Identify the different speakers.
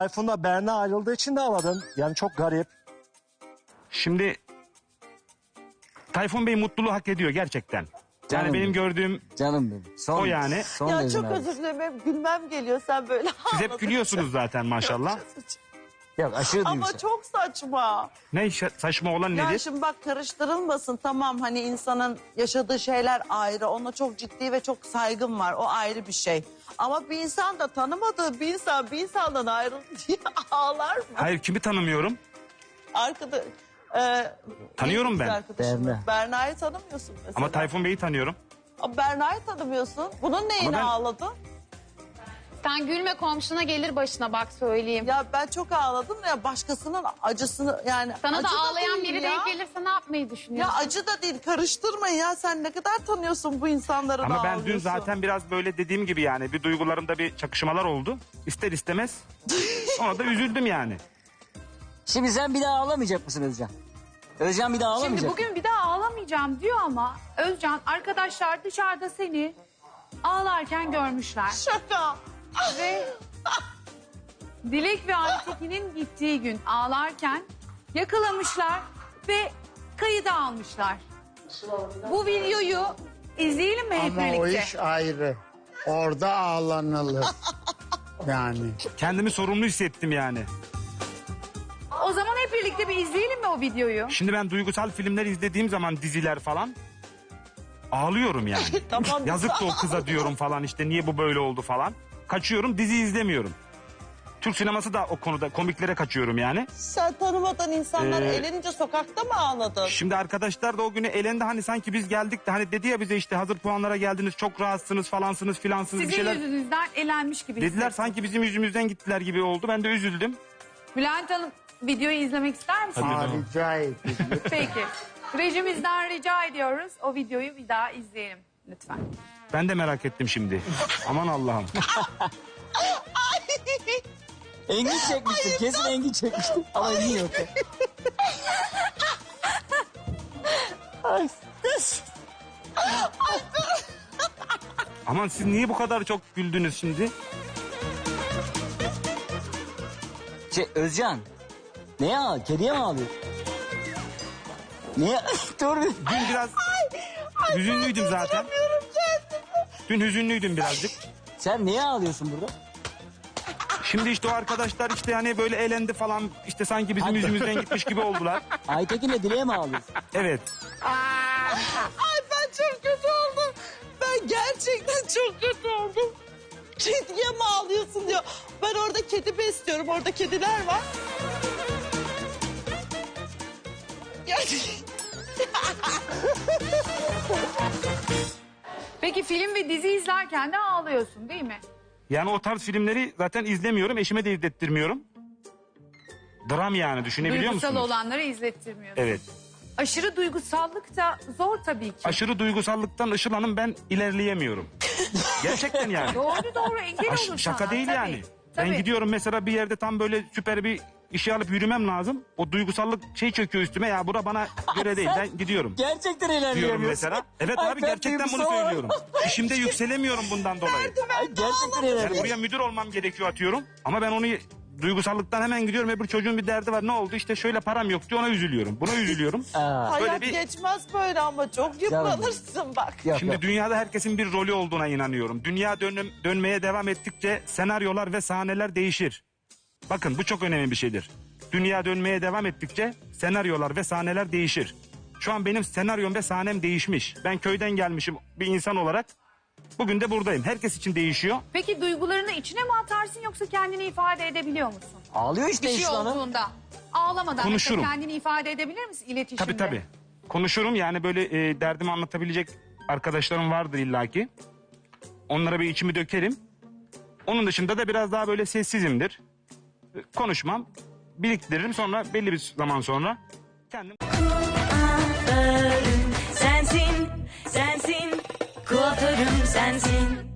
Speaker 1: Tayfun'la Berna ayrıldığı için de ağladın. Yani çok garip.
Speaker 2: Şimdi Tayfun Bey mutluluğu hak ediyor gerçekten. Yani
Speaker 3: Canım
Speaker 2: benim
Speaker 3: benim.
Speaker 2: gördüğüm
Speaker 3: Canım benim.
Speaker 2: o yani.
Speaker 3: Son
Speaker 4: Ya
Speaker 3: derece
Speaker 4: çok
Speaker 3: narin.
Speaker 4: özür dilerim. Hep gülmem geliyor sen böyle
Speaker 2: Siz hep
Speaker 4: ağladın.
Speaker 2: gülüyorsunuz zaten maşallah.
Speaker 3: Yok aşırı
Speaker 4: Ama
Speaker 3: duygusal.
Speaker 4: çok saçma.
Speaker 2: Ne saçma olan
Speaker 4: Ya
Speaker 2: nedir?
Speaker 4: şimdi bak karıştırılmasın tamam hani insanın yaşadığı şeyler ayrı. Ona çok ciddi ve çok saygım var. O ayrı bir şey. Ama bir insan da tanımadığı bir insandan ayrıldı diye ağlar mı?
Speaker 2: Hayır, kimi tanımıyorum?
Speaker 4: Arkada
Speaker 2: Tanıyorum
Speaker 4: kız
Speaker 2: ben.
Speaker 4: arkadaşım.
Speaker 3: Berna.
Speaker 4: Berna'yı tanımıyorsun mesela.
Speaker 2: Ama Tayfun Bey'i tanıyorum.
Speaker 4: Ama Berna'yı tanımıyorsun. Bunun neyine
Speaker 2: ben-
Speaker 4: ağladın?
Speaker 5: Sen gülme komşuna gelir başına bak söyleyeyim.
Speaker 4: Ya ben çok ağladım ya başkasının acısını yani.
Speaker 5: Sana
Speaker 4: acı
Speaker 5: da ağlayan
Speaker 4: değil
Speaker 5: biri
Speaker 4: ya.
Speaker 5: denk gelirse ne yapmayı
Speaker 4: Ya
Speaker 5: düşünüyorsun?
Speaker 4: acı da değil karıştırmayın ya sen ne kadar tanıyorsun bu insanları
Speaker 2: Ama
Speaker 4: da
Speaker 2: ben dün
Speaker 4: ağlıyorsun.
Speaker 2: zaten biraz böyle dediğim gibi yani bir duygularımda bir çakışmalar oldu. İster istemez. Ona da üzüldüm yani.
Speaker 3: Şimdi sen bir daha ağlamayacak mısın Özcan? Özcan bir daha ağlamayacak
Speaker 6: Şimdi
Speaker 3: mı?
Speaker 6: bugün bir daha ağlamayacağım diyor ama Özcan arkadaşlar dışarıda seni ağlarken görmüşler.
Speaker 4: Şaka.
Speaker 6: Ve Dilek ve Aytekin'in gittiği gün ağlarken yakalamışlar ve kayıda almışlar. Bu videoyu izleyelim mi hep
Speaker 7: Ama o
Speaker 6: birlikte?
Speaker 7: iş ayrı. Orada ağlanılır. Yani.
Speaker 2: Kendimi sorumlu hissettim yani.
Speaker 6: O zaman hep birlikte bir izleyelim mi o videoyu?
Speaker 2: Şimdi ben duygusal filmler izlediğim zaman diziler falan ağlıyorum yani.
Speaker 4: Tamam.
Speaker 2: Yazık da o kıza diyorum falan işte niye bu böyle oldu falan. Kaçıyorum, dizi izlemiyorum. Türk sineması da o konuda komiklere kaçıyorum yani.
Speaker 4: Sen tanımadan insanlar eğlenince sokakta mı ağladın?
Speaker 2: Şimdi arkadaşlar da o günü elendi hani sanki biz geldik de hani dedi ya bize işte hazır puanlara geldiniz çok rahatsınız falansınız filansınız bir
Speaker 6: Sizin
Speaker 2: şeyler.
Speaker 6: yüzünüzden elenmiş gibi
Speaker 2: Dediler
Speaker 6: hissettim.
Speaker 2: sanki bizim yüzümüzden gittiler gibi oldu. Ben de üzüldüm.
Speaker 6: Bülent Hanım videoyu izlemek ister misiniz?
Speaker 7: Ha, rica ederim.
Speaker 6: Peki. Rejimizden rica ediyoruz. O videoyu bir daha izleyelim lütfen.
Speaker 2: Ben de merak ettim şimdi. Aman Allah'ım.
Speaker 3: Engin çekmiştim. Kesin Engin çekmiştim. Ama Engin yok.
Speaker 2: Aman siz niye bu kadar çok güldünüz şimdi?
Speaker 3: Özcan. Neye ağlıyor? Kediye mi ağlıyor? Niye? Dur bir.
Speaker 2: Dün biraz hüzünlüydüm zaten. Dün hüzünlüydüm birazcık.
Speaker 3: Sen niye ağlıyorsun burada?
Speaker 2: Şimdi işte o arkadaşlar işte hani böyle eğlendi falan işte sanki bizim
Speaker 3: Hadi.
Speaker 2: yüzümüzden gitmiş gibi oldular.
Speaker 3: Aytekin'le Dile'ye mi ağlıyorsun?
Speaker 2: Evet.
Speaker 4: Ay ben çok kötü oldum. Ben gerçekten çok kötü oldum. Kediye mi ağlıyorsun diyor. Ben orada kedi besliyorum. Orada kediler var.
Speaker 6: Peki film ve dizi izlerken de ağlıyorsun değil mi?
Speaker 2: Yani o tarz filmleri zaten izlemiyorum. Eşime de izlettirmiyorum. Dram yani düşünebiliyor
Speaker 6: Duygusal
Speaker 2: musunuz?
Speaker 6: olanları izlettirmiyorsun.
Speaker 2: Evet.
Speaker 6: Aşırı duygusallık da zor tabii ki.
Speaker 2: Aşırı duygusallıktan Işıl Hanım ben ilerleyemiyorum. Gerçekten yani.
Speaker 6: Doğru engel olur
Speaker 2: Şaka
Speaker 6: sana.
Speaker 2: değil
Speaker 6: Tabii,
Speaker 2: yani.
Speaker 6: tabii.
Speaker 2: Ben gidiyorum mesela bir yerde tam böyle süper bir işe alıp yürümem lazım. O duygusallık şey çöküyor üstüme ya bura bana göre değil ben gidiyorum.
Speaker 3: Gerçekten
Speaker 2: Diyorum
Speaker 3: ilerleyemiyorsun.
Speaker 2: mesela. Evet
Speaker 3: Ay,
Speaker 2: abi
Speaker 3: ben
Speaker 2: gerçekten bunu
Speaker 3: duygusal
Speaker 2: söylüyorum. İşimde yükselemiyorum bundan dolayı.
Speaker 3: Ay, gerçekten
Speaker 2: Yani
Speaker 3: ilerleyemiyorsun.
Speaker 2: buraya müdür olmam gerekiyor atıyorum. Ama ben onu duygusallıktan hemen gidiyorum. Öbür çocuğun bir derdi var. Ne oldu? İşte şöyle param yok diyor ona üzülüyorum. Buna üzülüyorum.
Speaker 3: Aa,
Speaker 2: Böyle
Speaker 4: Hayat
Speaker 2: bir-
Speaker 4: geçmez böyle ama çok yıpranırsın bak.
Speaker 3: yok,
Speaker 2: Şimdi
Speaker 3: yok.
Speaker 2: dünyada herkesin bir rolü olduğuna inanıyorum. Dünya dönmeye devam ettikçe senaryolar ve sahneler değişir. Bakın bu çok önemli bir şeydir. Dünya dönmeye devam ettikçe senaryolar ve sahneler değişir. Şu an benim senaryom ve sahnem değişmiş. Ben köyden gelmişim bir insan olarak. Bugün de buradayım. Herkes için değişiyor.
Speaker 6: Peki duygularını içine mi atarsın yoksa kendini ifade edebiliyor musun?
Speaker 3: Ağlıyor işte
Speaker 6: Bir şey
Speaker 3: Işıl Hanım.
Speaker 6: olduğunda. Ağlamadan
Speaker 2: Konuşurum.
Speaker 6: mesela kendini ifade edebilir misin iletişimde?
Speaker 2: Tabii tabii. Konuşurum yani böyle derdimi anlatabilecek arkadaşlarım vardır illaki. Onlara bir içimi dökerim. Onun dışında da biraz daha böyle sessizimdir. Konuşmam, biriktiririm sonra belli bir zaman sonra kendim...
Speaker 8: Kuaförüm sensin, sensin. Kuaförüm sensin.